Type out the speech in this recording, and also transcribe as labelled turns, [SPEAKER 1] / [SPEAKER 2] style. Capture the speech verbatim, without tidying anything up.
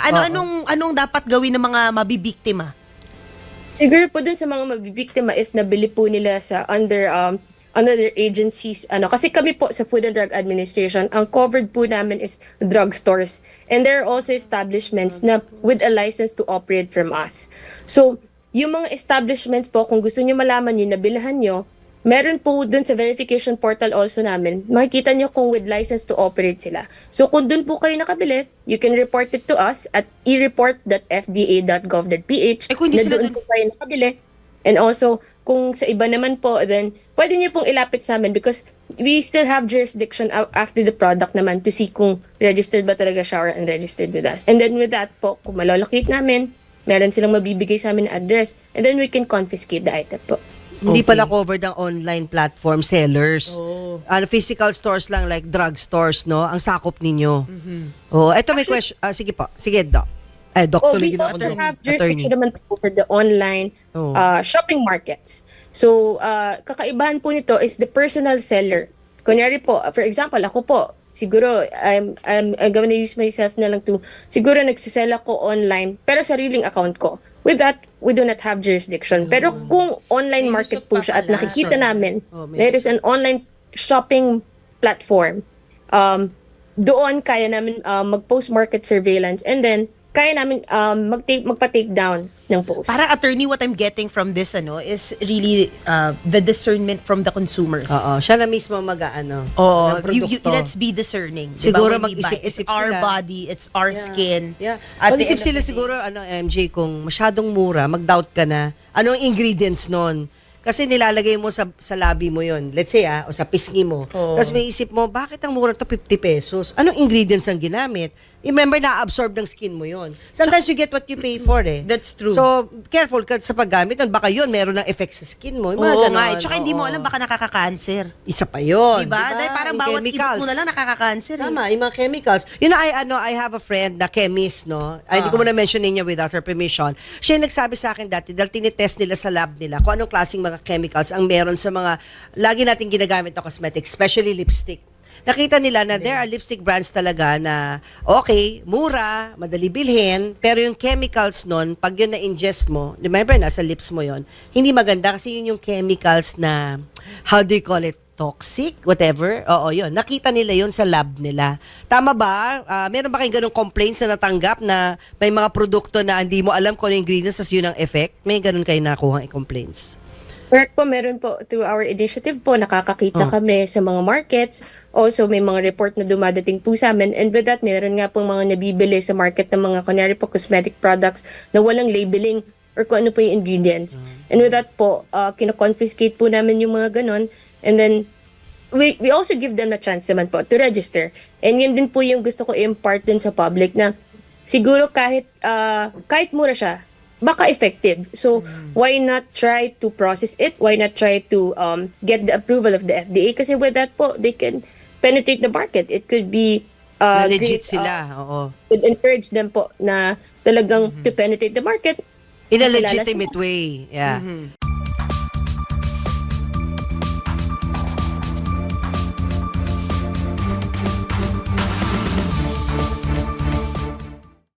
[SPEAKER 1] Ano
[SPEAKER 2] Oo.
[SPEAKER 1] anong anong dapat gawin ng mga mabibiktima?
[SPEAKER 3] Siguro po dun sa mga mabibiktima if nabili po nila sa under um under agencies ano kasi kami po sa Food and Drug Administration ang covered po namin is drugstores and there are also establishments na with a license to operate from us. So yung mga establishments po kung gusto niyo malaman yung nabilhan nyo, meron po dun sa verification portal also namin, makikita nyo kung with license to operate sila. So kung dun po kayo nakabili, you can report it to us at e report dot f d a dot gov dot p h
[SPEAKER 1] Eh, kung hindi
[SPEAKER 3] na
[SPEAKER 1] sila
[SPEAKER 3] doon
[SPEAKER 1] dun-
[SPEAKER 3] po kayo nakabili. And also, kung sa iba naman po, then pwede nyo pong ilapit sa amin because we still have jurisdiction a- after the product naman to see kung registered ba talaga siya or unregistered with us. And then with that po, kung malolocate namin, meron silang mabibigay sa amin na address and then we can confiscate the item po.
[SPEAKER 2] Hindi
[SPEAKER 1] Okay.
[SPEAKER 2] pala covered ang online platform sellers.
[SPEAKER 1] Oh.
[SPEAKER 2] Ano, physical stores lang like drug stores, no? Ang sakop ninyo. Oh, eto may question. Ah, sige po. Sige, doc. Eh, doc,
[SPEAKER 3] Oh,
[SPEAKER 2] tuloy
[SPEAKER 3] we
[SPEAKER 2] na ako,
[SPEAKER 3] also
[SPEAKER 2] doc.
[SPEAKER 3] have
[SPEAKER 2] Attorney.
[SPEAKER 3] jurisdiction naman po for the online
[SPEAKER 2] Oh.
[SPEAKER 3] uh, shopping markets. So, uh, kakaibahan po nito is the personal seller. Kunyari po, uh, for example, ako po, siguro, I'm, I'm, I'm gonna use myself na lang to, siguro nagsisell ako online, pero sariling account ko. With that, we do not have jurisdiction. Pero kung online
[SPEAKER 1] May
[SPEAKER 3] market
[SPEAKER 1] lusot
[SPEAKER 3] po
[SPEAKER 1] pa
[SPEAKER 3] siya at
[SPEAKER 1] pala.
[SPEAKER 3] nakikita
[SPEAKER 1] Sorry.
[SPEAKER 3] namin,
[SPEAKER 2] Oh, may
[SPEAKER 3] there is an online shopping platform, um, doon kaya namin uh, mag-post market surveillance and then kaya namin um, mag-take, magpa-take down ng post.
[SPEAKER 1] Parang attorney, what I'm getting from this ano is really uh, the discernment from the consumers.
[SPEAKER 2] Oo, siya na mismo mag-ano.
[SPEAKER 1] Oh,
[SPEAKER 2] ng
[SPEAKER 1] you, you,
[SPEAKER 2] produkto.
[SPEAKER 1] let's be discerning. Diba?
[SPEAKER 2] Siguro
[SPEAKER 1] When we buy,
[SPEAKER 2] mag-isip-isip
[SPEAKER 1] it's our
[SPEAKER 2] sila.
[SPEAKER 1] body, it's our
[SPEAKER 2] Yeah.
[SPEAKER 1] skin.
[SPEAKER 2] Yeah.
[SPEAKER 1] At the
[SPEAKER 2] Mag-isip
[SPEAKER 1] end of
[SPEAKER 2] sila
[SPEAKER 1] the day-
[SPEAKER 2] siguro, ano, M J, kung masyadong mura, mag-doubt ka na. Ano ang ingredients nun? Kasi nilalagay mo sa sa labi mo yon. Let's say, ah, o sa pisngi mo.
[SPEAKER 1] Oo.
[SPEAKER 2] Tapos may isip mo, bakit ang mura to fifty pesos? Anong ingredients ang ginamit? Remember, na-absorb ng skin mo yon. Sometimes you get what you pay for eh.
[SPEAKER 1] That's true.
[SPEAKER 2] So, careful ka sa paggamit nun. Baka yun, meron ng effect sa skin mo. Yung mga
[SPEAKER 1] Oo
[SPEAKER 2] ganon.
[SPEAKER 1] nga, eh. Tsaka hindi mo
[SPEAKER 2] Oo.
[SPEAKER 1] alam baka nakaka-cancer.
[SPEAKER 2] Isa pa yun.
[SPEAKER 1] Diba? Dahil parang
[SPEAKER 2] Yung
[SPEAKER 1] bawat
[SPEAKER 2] chemicals.
[SPEAKER 1] ibig mo na lang nakaka-cancer. Eh.
[SPEAKER 2] Tama, yung mga chemicals. You know, I, ano, I have a friend na chemist, no? Ay, hindi ko muna mention niya without her permission. Siya yung nagsabi sa akin dati, dahil tinitest nila sa lab nila kung anong klaseng mga chemicals ang meron sa mga, lagi natin ginagamit na cosmetics, especially lipstick. Nakita nila na there are lipstick brands talaga na, okay, mura, madali bilhin, pero yung chemicals nun, pag yun na-ingest mo, remember, nasa lips mo yon, hindi maganda kasi yun yung chemicals na, how do you call it, toxic, whatever. Oo, yun. Nakita nila yun sa lab nila. Tama ba? Ah, meron ba kayong ganung complaints na natanggap na may mga produkto na hindi mo alam kung ano yung ingredients as yun ang effect? May ganun kayo nakuha complaints?
[SPEAKER 3] Correct po, meron po through our initiative po, nakakakita
[SPEAKER 2] Oh.
[SPEAKER 3] kami sa mga markets. Also, may mga report na dumadating po sa amin. And with that, meron nga pong mga nabibili sa market ng mga kunyari po cosmetic products na walang labeling or kung ano po yung ingredients. And with that po, uh, kino-confiscate po namin yung mga ganon. And then, we we also give them a chance naman po to register. And yun din po yung gusto ko i-impart din sa public na siguro kahit uh, kahit mura siya, baka effective. So, why not try to process it? Why not try to um, get the approval of the F D A? Kasi with that po, they can penetrate the market. It could be uh,
[SPEAKER 2] na legit
[SPEAKER 3] great,
[SPEAKER 2] sila,
[SPEAKER 3] uh,
[SPEAKER 2] oo.
[SPEAKER 3] could encourage them po na talagang to penetrate the market.
[SPEAKER 2] In a
[SPEAKER 3] Kilala
[SPEAKER 2] legitimate
[SPEAKER 3] sila.
[SPEAKER 2] way, yeah.